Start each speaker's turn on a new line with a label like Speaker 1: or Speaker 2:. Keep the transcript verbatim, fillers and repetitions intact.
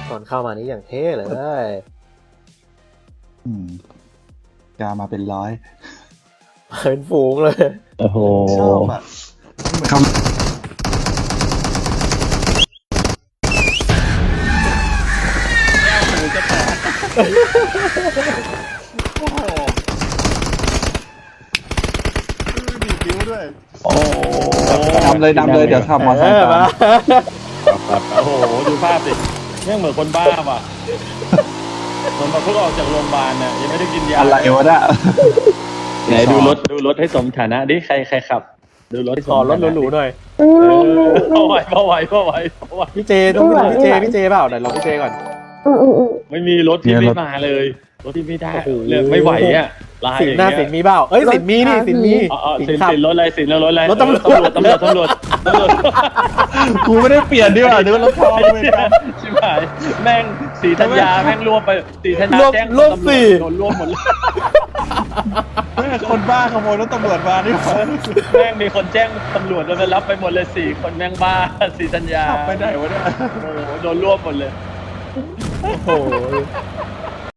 Speaker 1: ตอนเข้ามานี้อย่างเท่เลย
Speaker 2: อืมกามาเป็นร้อย
Speaker 1: เป็นฝูงเลย
Speaker 3: โอ้โห
Speaker 2: ชอบอ่ะเหมือนเขาโอ้โหดีดนิ้วด้วย
Speaker 3: โอ้
Speaker 2: นำเลยนำเลยเดี๋ยวขับมอเตอร์ไซค์ตาม
Speaker 3: โอ้โหดูภาพสิเนี่ยเหมือนคนบ้าว่ะเหมือนมาเพิ่งออกจากโรงพยาบาลน่ะยังไม่ได้กินยา
Speaker 2: อะไรวะเนี่ย
Speaker 3: ไหนดูรถดูรถให้สมฐานะดิใครใครขับ ดูรถให้ส
Speaker 1: ข
Speaker 3: ม
Speaker 1: อ
Speaker 3: ฐานะ
Speaker 1: รถหรูๆหน่อย
Speaker 3: เออพอไหวพอไหวพอไหวพอไหว
Speaker 1: พี่เจต้องไปพี่เจพี่เจเปล่าเดี๋ยวรอพี่เจก่อน
Speaker 4: อืมอืมอืม
Speaker 3: ไม่มีรถที่ไม่มาเลยรถที่ไม่ได้เลือกไม่ไหวอ่ะลาย
Speaker 1: สิ
Speaker 3: อน ย่าง
Speaker 1: หน้า
Speaker 3: เงี้ย
Speaker 1: สินมีเปล่าเอ้ยสินมีนี่สินมี
Speaker 3: อ๋ออ๋อ
Speaker 1: สิ
Speaker 3: สิ
Speaker 1: น
Speaker 3: น
Speaker 1: ขับ
Speaker 3: สินรถอะไรสินรถอะไร
Speaker 1: รถตำรวจ
Speaker 3: ตำรวจตำรวจตำรวจตำรวจ
Speaker 2: กูไม่ได้เปลี่ยนดีกว่าเดี๋ยวรถทองเหมือนกัน
Speaker 3: ชิบหายแม่งสีธัญญาแม่งรวมไปสีธัญญาร
Speaker 1: วม
Speaker 3: แจ้ง
Speaker 1: รวม
Speaker 3: ตำรวจ
Speaker 1: สี่
Speaker 3: โดนรวมหมดเลย
Speaker 2: เฮ้ยคนบ้าขโมยรถตำรวจมานี่หว่า
Speaker 3: แม่งมีคนแจ้งตำรวจแล้วไปรับไปหมดเลยสี่คนแม่งบ้าสีธัญญา
Speaker 2: ขับไปไหนวะเนี่ย
Speaker 3: โอ้โหโดนรวบหมดเลย
Speaker 1: โอ้โห